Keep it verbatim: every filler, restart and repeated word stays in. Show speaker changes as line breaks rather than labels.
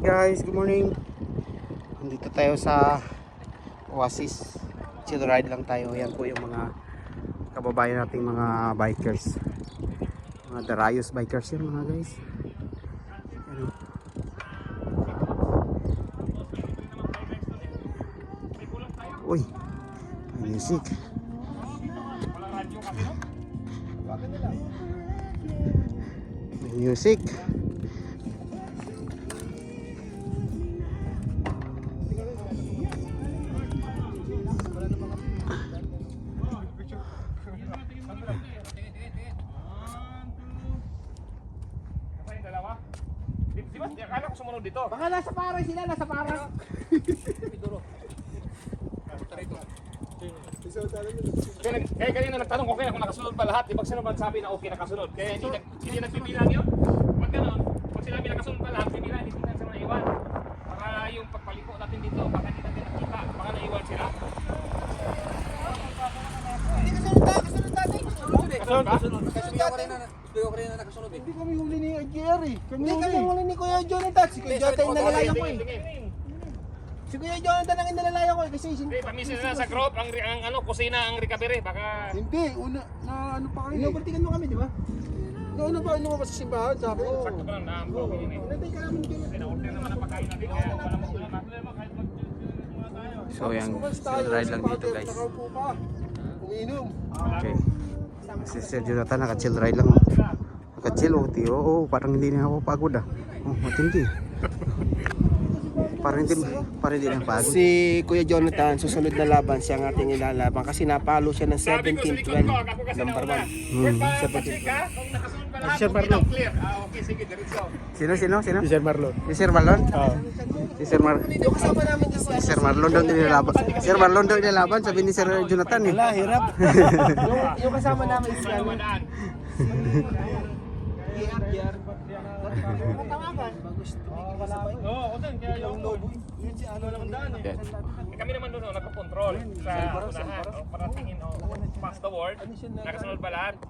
guys, good morning. Nandito tayo sa Oasis. Chill ride lang tayo. Yan po yung mga kababayan nating mga bikers. Mga Darayos bikers yan mga guys. Ano? Uy, may music. May music.
Akala ko sumunod dito.
Baka nasa paray sila, nasa paray.
Kaya, kaya kanina nagtanong ko kaya kung nakasunod pa lahat. Ibang sino man sabi na okay nakasunod. Kaya hindi, nag, hindi nagbibilang yun. Pag gano'n, pag sinabi nakasunod pa lahat, bibilang, hindi natin sila naiwan. Baka yung pagpaliko natin dito, baka hindi natin nakita. Baka naiwan sila.
Hindi kasunod tayo, kasunod natin.
Kasunod ba?
Kasunod natin.
Ko rin na nakasunod eh.
Hindi kami huli ni Jerry. Hindi kami huli ni Kuya Jonathan. Si Kuya Jonathan yung nalalayan ko eh. Si Kuya Jonathan ang inalalayan ko eh. Kasi
Hindi, pamisin na sa group, ang, ang ano, kusina, ang recovery. Baka...
hindi, una, na ano pa kami. Inubertigan mo kami, di ba? Nauna pa, ano pa sa simbahan, sabi ko.
Sakto pa lang na ang broken yun eh.
Natay ka namin Jonathan.
Pina-order naman ang pagkain natin, kaya wala mo problema.
So yung chill ride lang dito guys.
Nakaupo pa. Umiinom.
Okay. Si Sir Jonathan naka-chill ride lang. Naka-chill oh, tiyo. Oh, parang hindi na ako pagod ah. Oh, matindi. Parang hindi, parang hindi na pagod.
Si Kuya Jonathan, susunod na laban siya ang ating ilalaban kasi napalo siya ng seventeen twelve. Number one.
Hmm. seventeen ka? Kung nakasunod pa lahat,
Sir
okay
Marlon.
lang, clear. Ah, okay, sige, diretso.
Sino, sino, sino?
Si Sir Marlon.
Si Sir Marlon?
Oo.
Si Sir Mar
Yung kasama namin si
si Sir Marlon daw nilalaban. Sir Marlon daw nilalaban, sabi ni Sir Jonathan eh.
Wala, hirap. yung, yung kasama namin si ano.
Ramadan.
Tawagan. Bagus tumigil sa bike.
Oo, ako din, kaya yung
Yun si ano naman daan eh.
Eh, kami naman doon, oh, nagko-control sa unahan, oh, para tingin, oh, pass the word, nakasunod ba lahat?